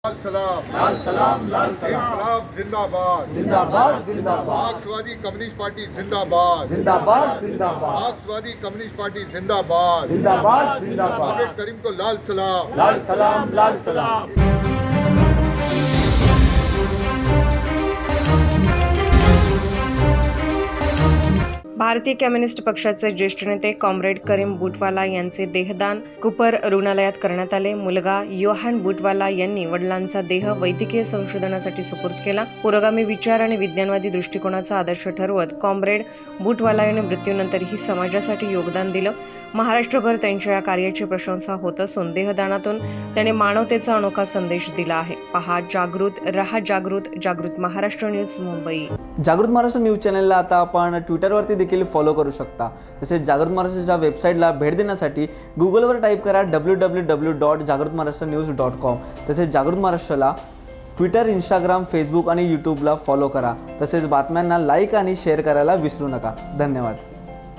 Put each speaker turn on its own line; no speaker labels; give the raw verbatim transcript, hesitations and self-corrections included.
लाल सलाम
लाल सलाम लाल सलाम
इनकलाब जिंदाबाद
जिंदाबाद जिंदाबाद
मार्क्सवादी कम्युनिस्ट पार्टी जिंदाबाद
जिंदाबाद जिंदाबाद
मार्क्सवादी कम्युनिस्ट पार्टी जिंदाबाद
जिंदाबाद जिंदाबाद
आम्बेडकर करीम को लाल सलाम
लाल सलाम लाल सलाम।
भारतीय कम्युनिस्ट पक्षाचे ज्येष्ठ नेते कॉम्रेड करीम बुटवाला यांचे देहदान कुपर रुग्णालयात करण्यात आले। मुलगा योहान बुटवाला यांनी वडिलांचा देह वैद्यकीय संशोधनासाठी सुपूर्द केला। पुरोगामी विचार आणि विज्ञानवादी दृष्टिकोनाचा आदर्श ठरवत कॉम्रेड बुटवाला यांनी मृत्यूनंतरही समाजासाठी योगदान दिलं। महाराष्ट्रभर त्यांच्या या कार्याची प्रशंसा होत असून देहदानातून त्याने मानवतेचा अनोखा संदेश दिला आहे। पहा जागृत रहा जागृत जागृत महाराष्ट्र न्यूज मुंबई।
जागृत महाराष्ट्र न्यूज चॅनलला आता आपण ट्विटरवरती देखील फॉलो करू शकता। तसेच जागृत महाराष्ट्राच्या वेबसाईटला भेट देण्यासाठी गुगलवर टाईप करा डब्ल्यू डब्ल्यू डब्ल्यू डॉट जागृत महाराष्ट्र न्यूज डॉट कॉम। तसेच जागृत महाराष्ट्राला ट्विटर, इंस्टाग्राम, फेसबुक आणि यूट्यूबला फॉलो करा। तसेच बातम्यांना लाईक आणि शेअर करायला विसरू नका। धन्यवाद।